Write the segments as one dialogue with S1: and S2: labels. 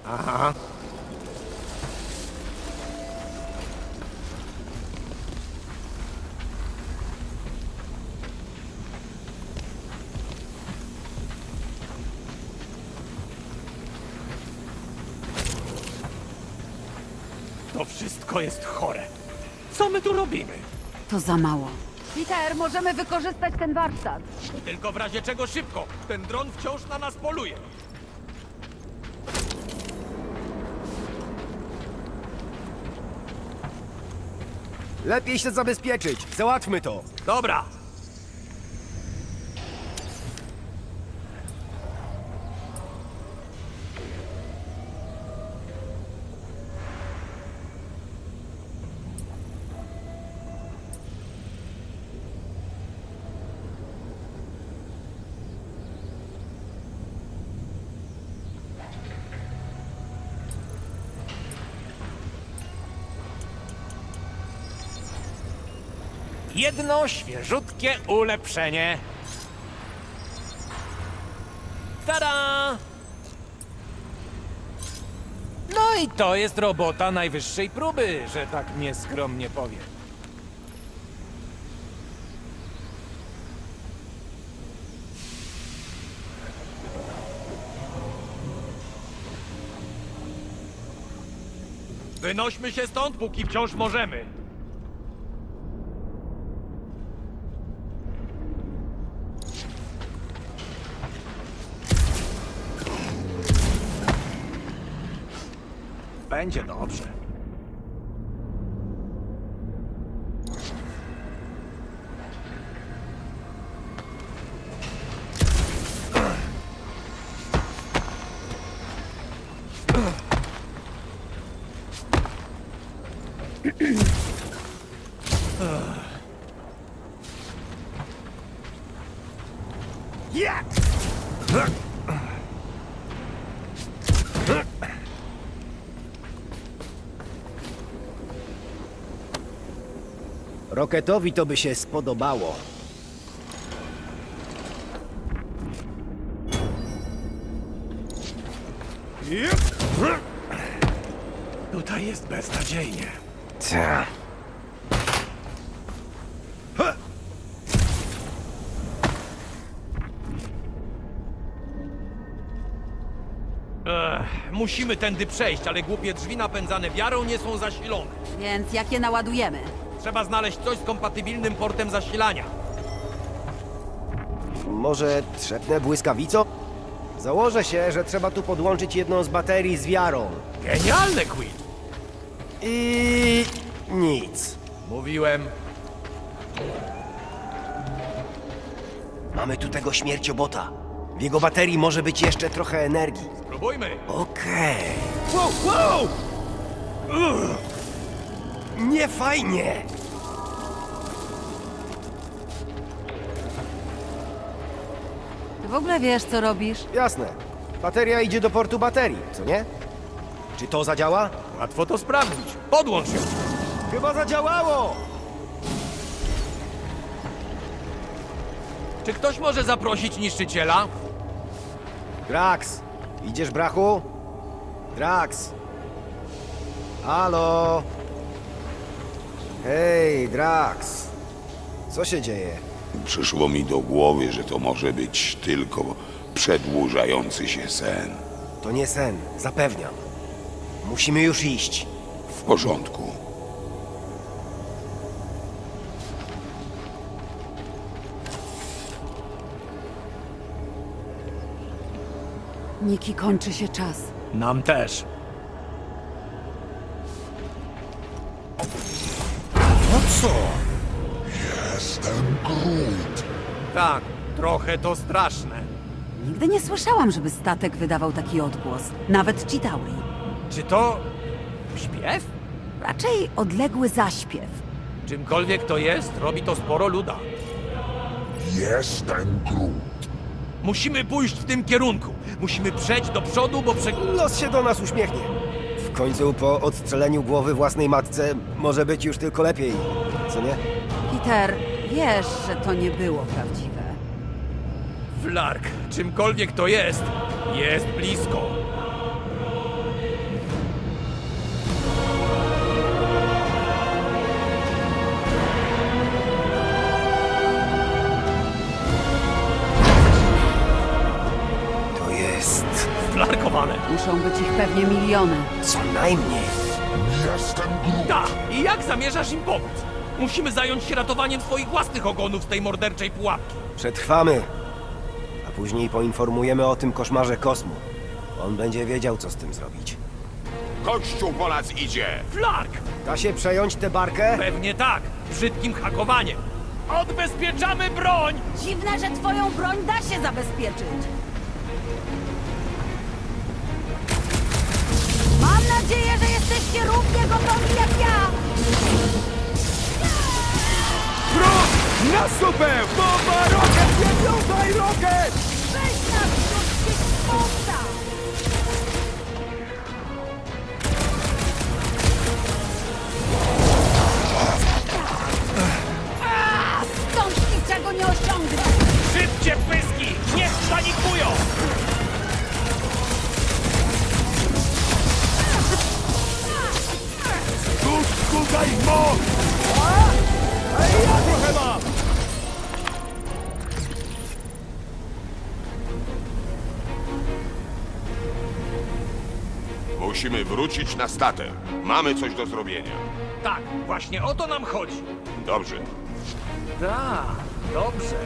S1: Aha. To wszystko jest chore. Co my tu robimy?
S2: To za mało. Peter, możemy wykorzystać ten warsztat.
S1: Tylko w razie czego szybko. Ten dron wciąż na nas poluje.
S3: Lepiej się zabezpieczyć. Załatwmy to.
S1: Dobra. Jedno świeżutkie ulepszenie. Tada! No i to jest robota najwyższej próby, że tak nieskromnie powiem. Wynośmy się stąd, póki wciąż możemy. Będzie dobrze.
S3: Roketowi to by się spodobało.
S1: Tutaj jest beznadziejnie.
S3: Ta.
S1: Musimy tędy przejść, ale głupie drzwi napędzane wiarą nie są zasilone.
S2: Więc jak je naładujemy?
S1: Trzeba znaleźć coś z kompatybilnym portem zasilania.
S3: Może trzepnę błyskawicą? Założę się, że trzeba tu podłączyć jedną z baterii z wiarą.
S1: Genialne, Quill!
S3: I nic.
S1: Mówiłem.
S3: Mamy tu tego śmierciobota. W jego baterii może być jeszcze trochę energii.
S1: Spróbujmy.
S3: Okej. Wow, wow! Nie fajnie!
S2: Ty w ogóle wiesz, co robisz?
S3: Jasne. Bateria idzie do portu baterii, co nie? Czy to zadziała?
S1: Łatwo to sprawdzić. Podłącz ją.
S3: Chyba zadziałało!
S1: Czy ktoś może zaprosić niszczyciela?
S3: Drax, idziesz, brachu? Drax. Halo? Hej, Drax. Co się dzieje?
S4: Przyszło mi do głowy, że to może być tylko przedłużający się sen.
S3: To nie sen, zapewniam. Musimy już iść.
S4: W porządku.
S2: Niki, kończy się czas.
S1: Nam też.
S5: No co?
S4: Jestem Groot.
S1: Tak, trochę to straszne.
S2: Nigdy nie słyszałam, żeby statek wydawał taki odgłos. Nawet Chitauri.
S1: Czy to śpiew?
S2: Raczej odległy zaśpiew.
S1: Czymkolwiek to jest, robi to sporo luda.
S5: Jestem Groot.
S1: Musimy pójść w tym kierunku. Musimy przejść do przodu, bo
S3: Los się do nas uśmiechnie. W końcu po odstrzeleniu głowy własnej matce może być już tylko lepiej, co nie?
S2: Peter, wiesz, że to nie było prawdziwe.
S1: Flark, czymkolwiek to jest blisko.
S6: Flarkowane.
S2: Muszą być ich pewnie miliony.
S3: Co najmniej.
S6: Da! I jak zamierzasz im pomóc? Musimy zająć się ratowaniem swoich własnych ogonów z tej morderczej pułapki.
S3: Przetrwamy. A później poinformujemy o tym koszmarze Kosmu. On będzie wiedział, co z tym zrobić.
S4: Kościół po nas idzie!
S6: Flark!
S3: Da się przejąć tę barkę?
S6: Pewnie tak. Brzydkim hakowaniem. Odbezpieczamy broń!
S2: Dziwne, że twoją broń da się zabezpieczyć. Mam nadzieję, że jesteście równie gotowi jak ja.
S3: Na supę! Bomba, rokiet, nie wiązaj rokiet!
S2: Weź nas do świetłowca! Stąd niczego nie osiągnę!
S6: Szybcie pyski! Niech panikują!
S3: Tuż tutaj moc! A ja trochę mam!
S4: Musimy wrócić na statek. Mamy coś do zrobienia.
S6: Tak, właśnie o to nam chodzi.
S4: Dobrze.
S6: Tak, dobrze.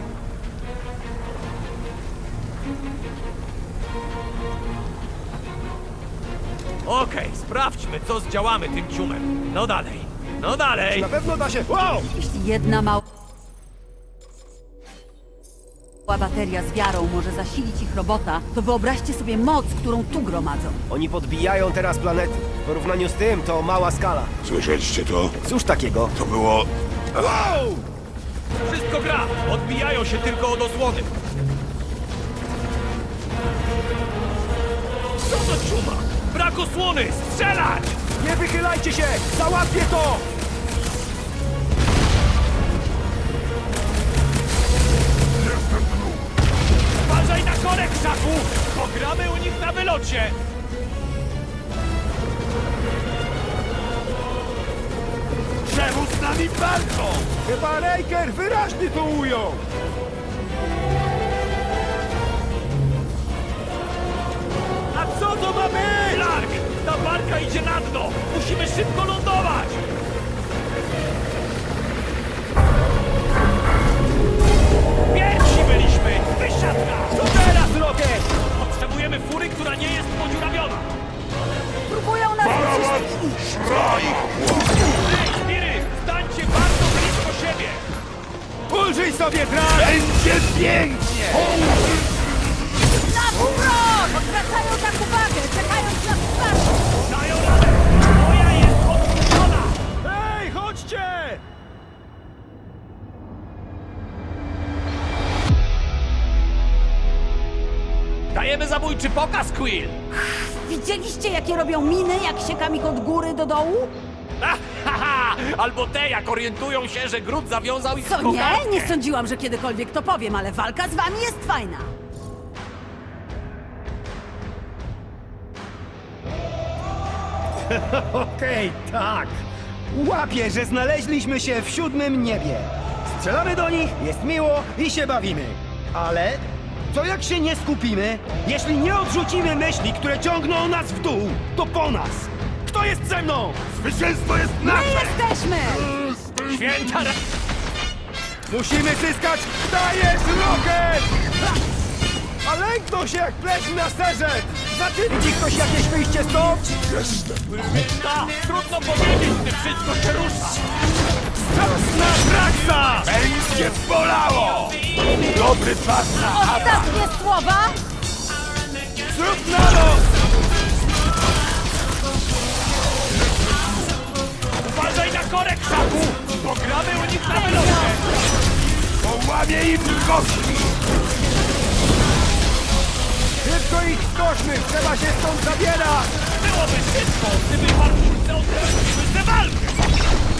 S6: Okej, sprawdźmy, co zdziałamy tym ciumem. No dalej, no dalej!
S3: Na pewno da się... Wow!
S2: Jeśli jedna mała bateria z wiarą może zasilić ich robota, to wyobraźcie sobie moc, którą tu gromadzą.
S3: Oni podbijają teraz planety. W porównaniu z tym to mała skala.
S4: Słyszeliście to?
S3: Cóż takiego?
S4: To było...
S3: Wow!
S6: Wszystko gra! Odbijają się tylko od osłony. Co to ciuma? Brak osłony! Strzelać!
S3: Nie wychylajcie się! Załatwię to!
S6: Uważaj na korek, Szaku! Pogramy u nich na wylocie!
S3: Czemu z nami walczą? Chyba Raker wyraźnie to ujął!
S6: A co to ma być? Lark! Ta barka idzie na dno! Musimy szybko lądować! Pierwsi byliśmy! Wysiadka! Co teraz, Rocket? Potrzebujemy fury, która nie jest podziurawiona!
S2: Próbują nas uciśnić!
S6: Ej, Spiry! Stańcie bardzo blisko siebie!
S3: Ulżyj sobie, Drak! Będzie pięknie!
S2: Na wprost! Odwracają tak uwagę, czekając na wsparcie!
S6: Dają radę! Moja jest odpuszczona!
S3: Ej, chodźcie!
S6: Dajemy zabójczy pokaz, Quill!
S2: Widzieliście, jakie robią miny, jak siekam ich od góry do dołu?
S6: Haha! Albo te, jak orientują się, że Groot zawiązał ich w
S2: Co nie?
S6: kokardkę.
S2: Nie sądziłam, że kiedykolwiek to powiem, ale walka z wami jest fajna.
S7: Okej, tak. Łapię, że znaleźliśmy się w siódmym niebie. Strzelamy do nich, jest miło i się bawimy. Ale co jak się nie skupimy? Jeśli nie odrzucimy myśli, które ciągną nas w dół, to po nas. Kto jest ze mną?
S4: Zwycięstwo jest
S2: My
S4: nasze!
S2: jesteśmy!
S6: Święta ra...
S3: Musimy zyskać! Dajesz, Rocket! A lękną się jak pleśń na serze! Widzi ktoś jakieś wyjście stąd?
S6: Ta, trudno powiedzieć, gdy wszystko się rusza!
S3: Czas na Draxa!
S4: Będzie bolało! Dobry czas na
S2: Ostatnie słowa?
S3: Zrób na los!
S6: Uważaj na korek, Szaku! Pogramy u nich na wylocie!
S4: Połamie im kości!
S3: Szybko ich skośmy! Trzeba się stąd zabierać!
S6: Byłoby szybko, gdyby walczycy odwróciły tę walkę!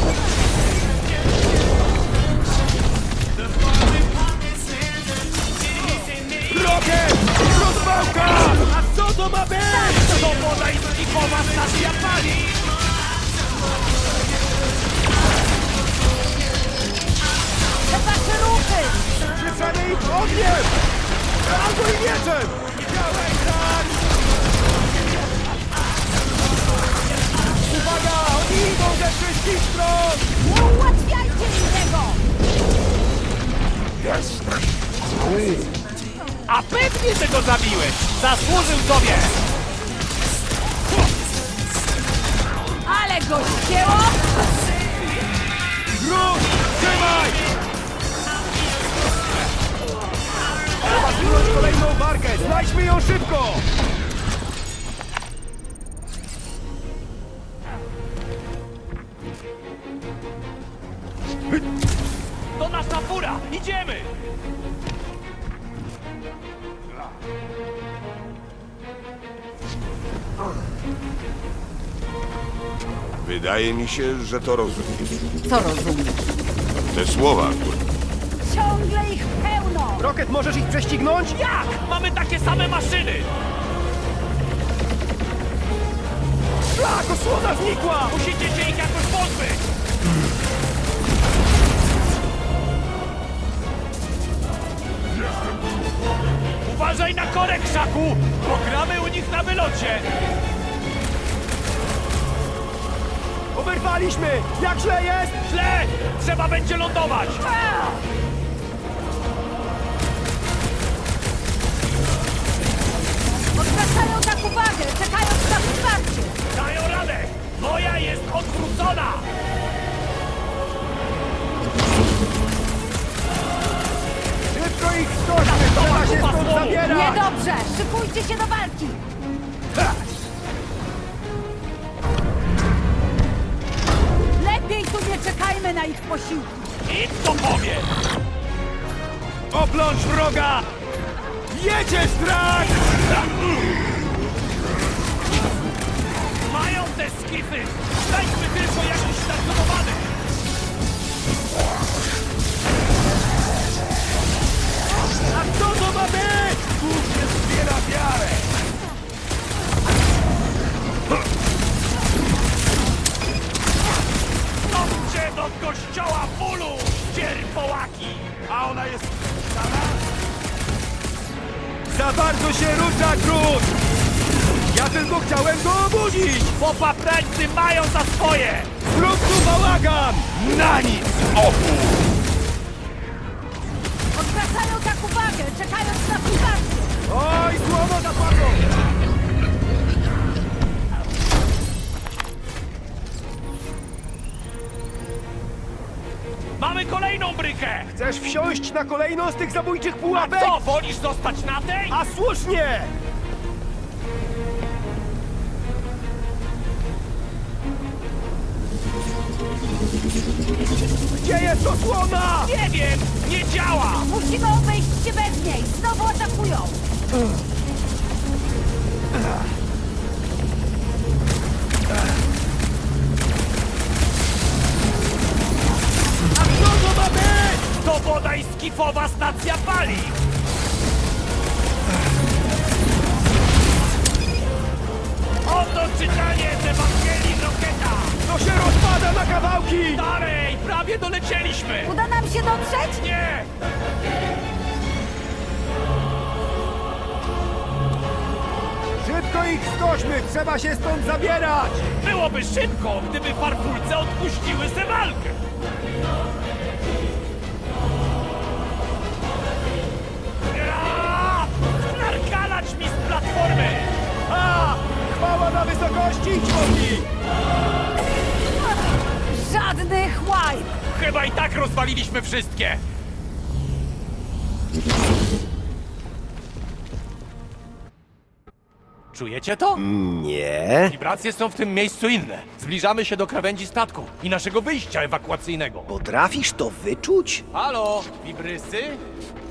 S3: Rocket! Rozwałka!
S6: A co to ma być? To podańskikowa stacja paliw!
S2: Te wasze ruchy!
S3: Przyprzemy ich ogniem! Albo i mieczem! Działaj, tak!
S6: A pewnie, że go zabiłeś! Zasłużył sobie!
S2: Ale go ścięło!
S3: Grud, trzymaj! Trzeba zginąć kolejną barkę! Znajdźmy ją szybko!
S6: To nasza fura! Idziemy!
S4: Wydaje mi się, że to rozumiem.
S2: Co rozumiesz?
S4: Te słowa, które...
S2: Ciągle ich pełno!
S3: Rocket, możesz ich prześcignąć?
S6: Jak? Mamy takie same maszyny!
S3: Szlak, osłona znikła!
S6: Musicie się ich jakoś pozbyć! Uważaj na korek, Szaku! Pogramy u nich na wylocie!
S3: Oberwaliśmy! Jak źle jest?
S6: Źle! Trzeba będzie lądować!
S2: Odwracają tak uwagę, czekając na wsparcie!
S6: Dają radę! Moja jest odwrócona!
S3: Szybko ich skoczmy! Trzeba się stąd zabierać!
S2: Niedobrze! Szykujcie się do walki! Lepiej tu nie czekajmy na ich posiłki!
S6: Nic to powie!
S3: Oplącz wroga! Jedziesz, Drak!
S6: Mają te skify! Znajdźmy tylko jakiś stacjonowany!
S3: A co to ma być? Bóg nie zbiera wiarę!
S6: Chodźcie do kościoła bólu, cierpołaki! A ona jest...
S3: Za bardzo się rusza, Grud! Ja tylko chciałem go obudzić!
S6: Popaprańcy mają za swoje!
S3: Zrób tu bałagan!
S6: Na nic!
S2: Odwracają tak uwagę, czekając na wsparcie!
S3: Oj, słowo zapadło!
S6: Mamy kolejną brykę!
S3: Chcesz wsiąść na kolejną z tych zabójczych
S6: A
S3: pułapek?
S6: co, wolisz zostać na tej?
S3: A słusznie! Gdzie jest osłona?
S6: Nie wiem! Nie działa!
S2: Musimy obejść się bez niej! Znowu atakują!
S3: A co to ma być?
S6: To bodaj skifowa stacja paliw! Oto czytanie z Ewangelii Rocketa!
S3: To się rozpada na kawałki!
S6: Dalej! Prawie dolecieliśmy!
S2: Uda nam się dotrzeć?
S6: Nie!
S3: Szybko ich skośmy! Trzeba się stąd zabierać!
S6: Byłoby szybko, gdyby farfulce odpuściły tę walkę! Ja! Narkalać mi z platformy!
S3: A! Chwała na wysokości, człowiek!
S2: Żadnych łajb!
S6: Chyba i tak rozwaliliśmy wszystkie! Czujecie to?
S3: Nie.
S6: Wibracje są w tym miejscu inne. Zbliżamy się do krawędzi statku i naszego wyjścia ewakuacyjnego.
S3: Potrafisz to wyczuć?
S6: Halo, wibrysy?